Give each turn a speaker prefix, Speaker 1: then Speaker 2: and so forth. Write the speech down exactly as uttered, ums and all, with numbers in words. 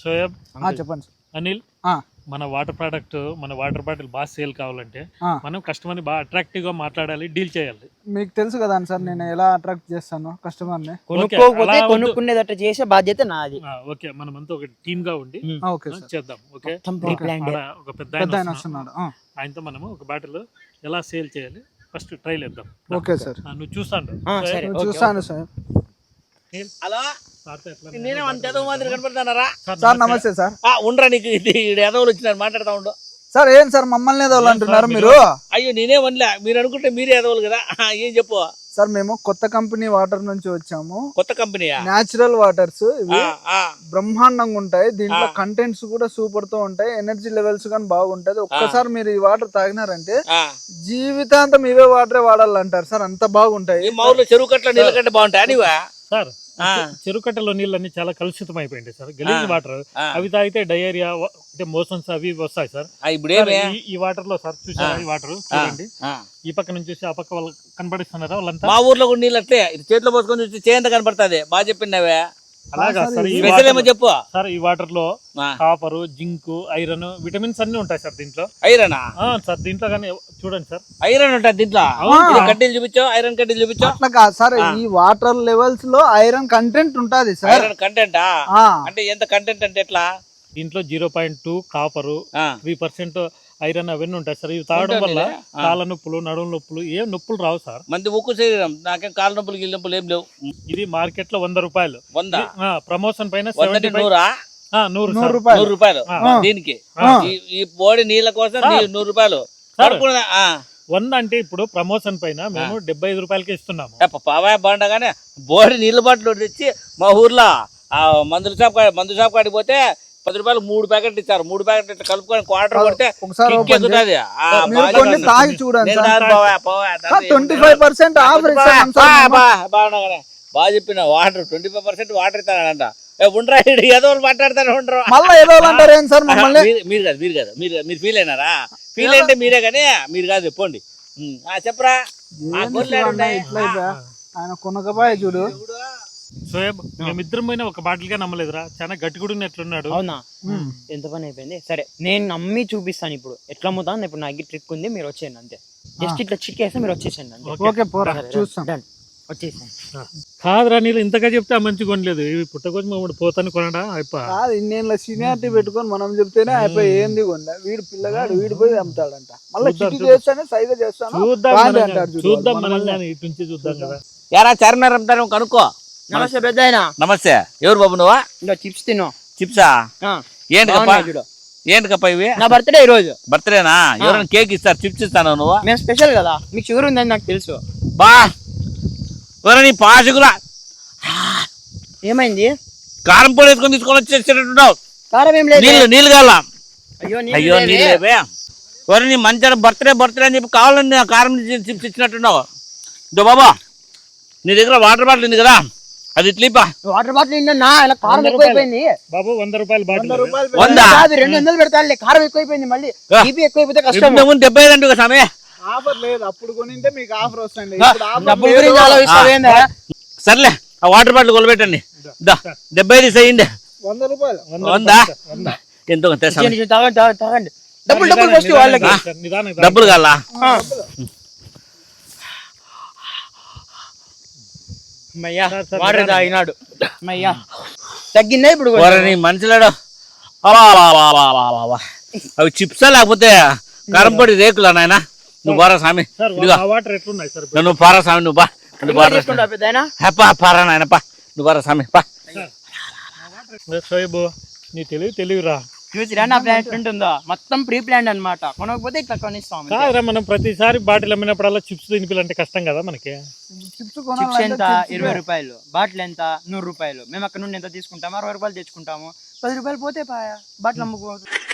Speaker 1: షోయబ్
Speaker 2: చెప్పండి
Speaker 1: అనిల్, మన water product మన వాటర్ బాటిల్ బాగా సేల్ కావాలంటే మనం కస్టమర్ ని బాగా అట్రాక్టివ్ గా మాట్లాడాలి, డీల్ చేయాలి.
Speaker 2: మీకు తెలుసు కదా సార్ నేను ఎలా అట్రాక్ట్ చేస్తాను కస్టమర్ ని.
Speaker 3: కొనుక్కోకపోతే కొనుక్కునేదట్టు చేసే బాధ్యత నాది.
Speaker 1: ఓకే, మనం అంతా ఒక టీమ్ గా ఉండి చేద్దాం. ఓకే, ఒక పెద్ద ఆయన వస్తున్నాడు, ఆయనతో మనము ఒక బాటిల్ ఎలా సేల్ చేయాలి ఫస్ట్ ట్రైల్ వేద్దాం. ఓకే సార్, నువ్వు చూస్తాను
Speaker 2: చూస్తాను సార్.
Speaker 3: హలో, నేనే అంత ఏదో మాదిరి కనపడతానరా?
Speaker 2: సార్ నమస్తే సార్.
Speaker 3: ఉండరా, నీకు ఏదోలు వచ్చినారు మాట్లాడుతా ఉండు.
Speaker 2: సార్ ఏం సార్ మమ్మల్ని ఏదో అంటున్నారు మీరు?
Speaker 3: అయ్యో నేనే వన్లే, మీరు అనుకుంటే మీరే ఏదోలు కదా. ఏం చెప్పు
Speaker 2: సార్. మేము కొత్త కంపెనీ వాటర్ నుంచి వచ్చాము.
Speaker 3: కొత్త కంపెనీ
Speaker 2: న్యాచురల్ వాటర్స్ ఇవి బ్రహ్మాండంగా ఉంటాయి. దీంట్లో కంటెంట్స్ కూడా సూపర్ తో ఉంటాయి, ఎనర్జీ లెవెల్స్ కానీ బాగుంటది. ఒక్కసారి మీరు ఈ వాటర్ తాగినారంటే జీవితాంతం ఇవే వాటరే వాడాలంటారు సార్, అంత బాగుంటాయి.
Speaker 3: మా ఊర్లో చెరువు కట్ల నీళ్ళ కంటే బాగుంటాయి అనివా
Speaker 1: సార్. చెరుకట్టలో నీళ్ళన్నీ చాలా కలుషితం అయిపోయింది సార్, గలీజ్ వాటర్. అవి తాగితే డయేరియా అంటే మోషన్స్ అవి వస్తాయి సార్. ఇప్పుడు ఈ వాటర్ లో సార్ చూసారా, ఈ వాటర్ చూడండి, ఈ పక్క నుంచి చూసి ఆ పక్క వాళ్ళు కనపడిస్తున్నారా వాళ్ళంతా.
Speaker 3: మా ఊర్లో కూడా నీళ్ళు అట్లే చేతిలో పోసుకొని చూసి చేయంత కనపడుతుంది. బాగా చెప్పిండవే.
Speaker 1: అలాగా సార్,
Speaker 3: చెప్పు
Speaker 1: సార్. ఈ వాటర్ లో కాపర్, జింక్, ఐరన్, విటమిన్స్ అన్ని ఉంటాయి సార్ దీంట్లో.
Speaker 3: ఐరన్
Speaker 1: సార్ దీంట్లో కానీ చూడండి సార్,
Speaker 3: ఐరన్ ఉంటుంది దీంట్లో. కడ్డీలు చూపించో, ఐరన్ కడ్డీలు చూపించో.
Speaker 2: అట్లా కాదు సార్, ఈ వాటర్ లెవెల్స్ లో ఐరన్ కంటెంట్ ఉంటది సార్.
Speaker 3: ఐరన్ కంటెంట్ అంటే ఎంత కంటెంట్ అంటే ఎట్లా?
Speaker 1: దీంట్లో zero point two copper, three percent iron అవన్నీ ఉంటాయి సార్. ఇవి తాగడం వల్ల కాళ్ళ నొప్పులు, నడుము నొప్పులు, ఏం నొప్పులు రావు సార్.
Speaker 3: మంది ఉక్కు శరీరం, నాకేం కాళ్ళ నొప్పులు గిల్ నొప్పులు ఏం లేవు.
Speaker 1: ఇది మార్కెట్ లో వంద రూపాయలు.
Speaker 3: వంద
Speaker 1: ప్రమోషన్ పైన
Speaker 3: నూరా
Speaker 1: నూరు
Speaker 2: నూరు
Speaker 3: నూరు రూపాయలు దీనికి. ఈ బోడి నీళ్ళ కోసం నూరు రూపాయలు
Speaker 1: వంద అంటే ఇప్పుడు ప్రమోషన్ పైన మేము డెబ్బై ఐదు రూపాయలకి ఇస్తున్నాము.
Speaker 3: పావా బాగుండగానే బోడి నీళ్ళ బాటిల్ తెచ్చి మా ఊర్లో ఆ మందుల షాప్ మందు షాప్ కాడికి పోతే పది రూపాయలు మూడు ప్యాకెట్లు ఇచ్చారు. మూడు ప్యాకెట్లు కలుపుకొని క్వార్టర్ కొడితే బాగా చెప్పిన. Water twenty five percent water ఇస్తానంట. ఉండరా ఏదో మాట్లాడతాను ఉండరు. మీరు కాదు మీరు కాదు మీరు మీరు ఫీల్ అయినారా? ఫీల్ అయితే మీరే కానీ మీరు కాదు చెప్పండి. చెప్పరా
Speaker 2: ఆయన కొనకబాయ్ చూడు.
Speaker 1: షోయబ్, మేమిద్దరం పోయినా ఒక బాటిల్ గా నమ్మలేదురా, చాలా గట్టి కూడా ఎట్లున్నాడు.
Speaker 4: అవునా, ఎంత పని అయిపోయింది. సరే నేను నమ్మి చూపిస్తాను ఇప్పుడు ఎట్లా అమ్ముతాను. ఇప్పుడు నాకు ట్రిక్ ఉంది, మీరు వచ్చేయండి అంతే. జస్ట్ ఇట్లా చిక్కేస్తే మీరు వచ్చేసండి అంతే. వచ్చేసాను.
Speaker 1: కాదురా, నీళ్ళు ఇంతగా చెప్తే మంచిగా కొనలేదు. ఇవి పుట్టకొచ్చి మమ్మల్ని పోతాను కొనడా అయిపోయి
Speaker 2: ఇన్నేళ్ళ సీనియారిటీ పెట్టుకొని మనం చెప్తేనే అయిపోయి ఏంది కొనలే. వీడు పిల్లగాడు వీడి పోయి అమ్ముతాడంట. మళ్ళీ చేస్తానే సైగా చేస్తాను.
Speaker 1: చూద్దాం మనల్ని ఇటు నుంచి చూద్దాం కదా.
Speaker 3: యారా చార్మినార్ అమ్ముతాను కనుక్కో.
Speaker 4: నమస్తే పెద్ద ఆయన.
Speaker 3: నమస్తే. ఎవరు బాబు నువ్వా?
Speaker 4: ఇంకా చిప్స్ తిను.
Speaker 3: చిప్సా? ఏంటి ఏంటి కప్ప ఇవి?
Speaker 4: నా బర్త్డే ఈ రోజు.
Speaker 3: బర్త్డేనా? ఎవరైనా కేక్ ఇస్తారు, చిప్స్ ఇస్తాను. నువ్వు
Speaker 4: మేము స్పెషల్ కదా, మీకు షుగర్ ఉందని నాకు తెలుసు.
Speaker 3: బా నీ పాషకులా
Speaker 4: ఏమైంది?
Speaker 3: కారం పొడి వేసుకొని తీసుకొని వచ్చేసేటట్టున్నావు.
Speaker 4: కారం ఏం లేదు.
Speaker 3: నీళ్ళు నీళ్ళు కావాలా?
Speaker 4: అయ్యో
Speaker 3: అయ్యో నీళ్ళే. ఎవరు నీ మంచిగా బర్త్డే బర్త్డే అని చెప్పి కావాలని కారం చిప్స్ ఇచ్చినట్టున్నావు. ఇదో బాబా, నీ దగ్గర వాటర్ బాటిల్ ఉంది కదా, అది ఇట్లీపా.
Speaker 4: వాటర్ బాటిల్ నిన్న కారం ఎక్కువైపోయింది
Speaker 1: బాబు. వంద రూపాయలు బాటిల్.
Speaker 3: వంద
Speaker 4: రెండు వందలు పెడతాను. కారం ఎక్కువైపోయింది, మళ్ళీ బీపీ ఎక్కువైపోతే కష్టం.
Speaker 3: డెబ్బై ఐదు అంటే సమయ
Speaker 2: ఆఫర్ లేదు. అప్పుడు కొనింటే మీకు ఆఫర్ వస్తుంది.
Speaker 3: సర్లే, ఆ వాటర్ బాటిల్ కొలబెట్టండి. డెబ్బై ఐదు చేయండి.
Speaker 2: వంద రూపాయలు.
Speaker 3: వందా ఎంతో
Speaker 4: తాగండి. డబ్బులు డబ్బులు ఫస్ట్ వాళ్ళకి.
Speaker 3: డబ్బులు కావాలా?
Speaker 4: వాటర్ తాగినాడు. తగ్గిందా ఇప్పుడు?
Speaker 3: మనుషులాడు అవి చిప్సా లేకపోతే కారం పొడి రేకులా నాయన? నువ్వు బారా స్వామి, నువ్వు పారా స్వామి, నువ్వు బా పారా నాయన, పా నువ్వు బారా స్వామి పా.
Speaker 1: షోయబ్, నీ తెలివి తెలివిరా.
Speaker 4: చూసిరా నా ప్లాన్ ఎట్లుంటుందో, మొత్తం ప్రీ ప్లాన్ అనమాట. కొనకపోతే ఇట్లా కొనిస్తాం.
Speaker 1: కాదురా, మనం ప్రతిసారి బాటిల్ అమ్మినప్పుడల్లా చిప్స్ తినిపించాలంటే కష్టం కదా మనకి.
Speaker 4: చిప్స్ ఎంత? ఇరవై రూపాయలు. బాటిల్ ఎంత? నూరు రూపాయలు. మేము అక్కడ నుండి ఎంత తీసుకుంటాము? అరవై రూపాయలు తెచ్చుకుంటాము. పది రూపాయలు పోతే పాయా బాటిల్ అమ్ముకోవచ్చు.